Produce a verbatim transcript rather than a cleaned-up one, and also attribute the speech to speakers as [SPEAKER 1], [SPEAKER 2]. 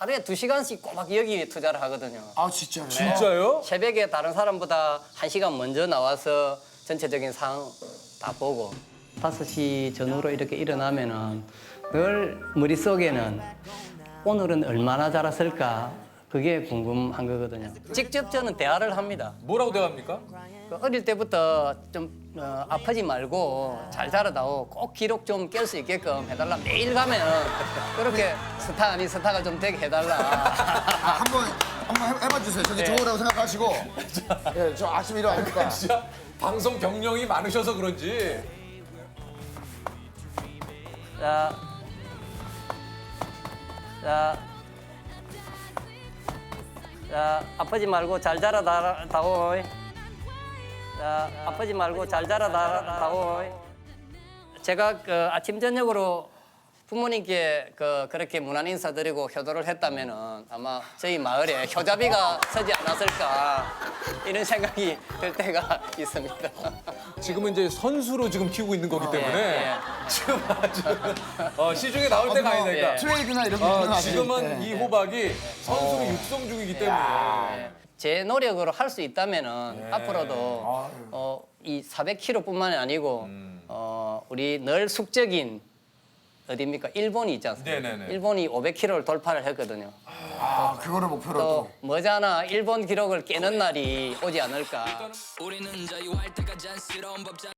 [SPEAKER 1] 하루에 두 시간씩 꼬박 여기 투자를 하거든요.
[SPEAKER 2] 아 진짜요?
[SPEAKER 3] 진짜요?
[SPEAKER 1] 새벽에 다른 사람보다 한 시간 먼저 나와서 전체적인 상황 다 보고 다섯 시 전후로 이렇게 일어나면은 늘 머릿속에는 오늘은 얼마나 자랐을까 그게 궁금한 거거든요. 직접 저는 대화를 합니다.
[SPEAKER 3] 뭐라고 대답합니까?
[SPEAKER 1] 그 어릴 때부터 좀 어, 아프지 말고 잘 자라다오 꼭 기록 좀 깰 수 있게끔 해달라. 매일 가면 그렇게 스타 아닌 스타가 좀 되게 해달라.
[SPEAKER 2] 아, 한번 한번 해- 해봐 주세요. 저기
[SPEAKER 1] 네.
[SPEAKER 2] 좋으라고 생각하시고. 예, 저 아침에 일어나니까.
[SPEAKER 3] 진짜 방송 경력이 많으셔서 그런지.
[SPEAKER 1] 자, 자, 자, 아프지 말고 잘 자라다오. 자, 아프지 말고 잘 자라다오. 제가 그 아침 저녁으로 부모님께 그 그렇게 문안 인사드리고 효도를 했다면은 아마 저희 마을에 효자비가 서지 않았을까 이런 생각이 들 때가 있습니다.
[SPEAKER 3] 지금은 이제 선수로 지금 키우고 있는 거기 때문에
[SPEAKER 1] 예,
[SPEAKER 3] 지금 아주 어, 시중에 나올 때가
[SPEAKER 2] 뭐
[SPEAKER 3] 아니니까.
[SPEAKER 1] 예.
[SPEAKER 2] 트레이드나 이런 게
[SPEAKER 3] 어,
[SPEAKER 2] 있는
[SPEAKER 3] 지금은
[SPEAKER 2] 네.
[SPEAKER 3] 이 호박이 선수로 육성 중이기 때문에.
[SPEAKER 1] 제 노력으로 할 수 있다면은 앞으로도 어, 이 사백 킬로그램뿐만이 아니고 어, 우리 늘 숙적인 어디입니까? 일본이 있지 않습니까?
[SPEAKER 3] 네네네.
[SPEAKER 1] 일본이 오백 킬로그램를 돌파를 했거든요.
[SPEAKER 2] 아, 그거를 목표로
[SPEAKER 1] 또
[SPEAKER 2] 또.
[SPEAKER 1] 머지않아 일본 기록을 깨는 날이 오지 않을까.
[SPEAKER 4] 우리는 자유할 때가 잔스러운 법장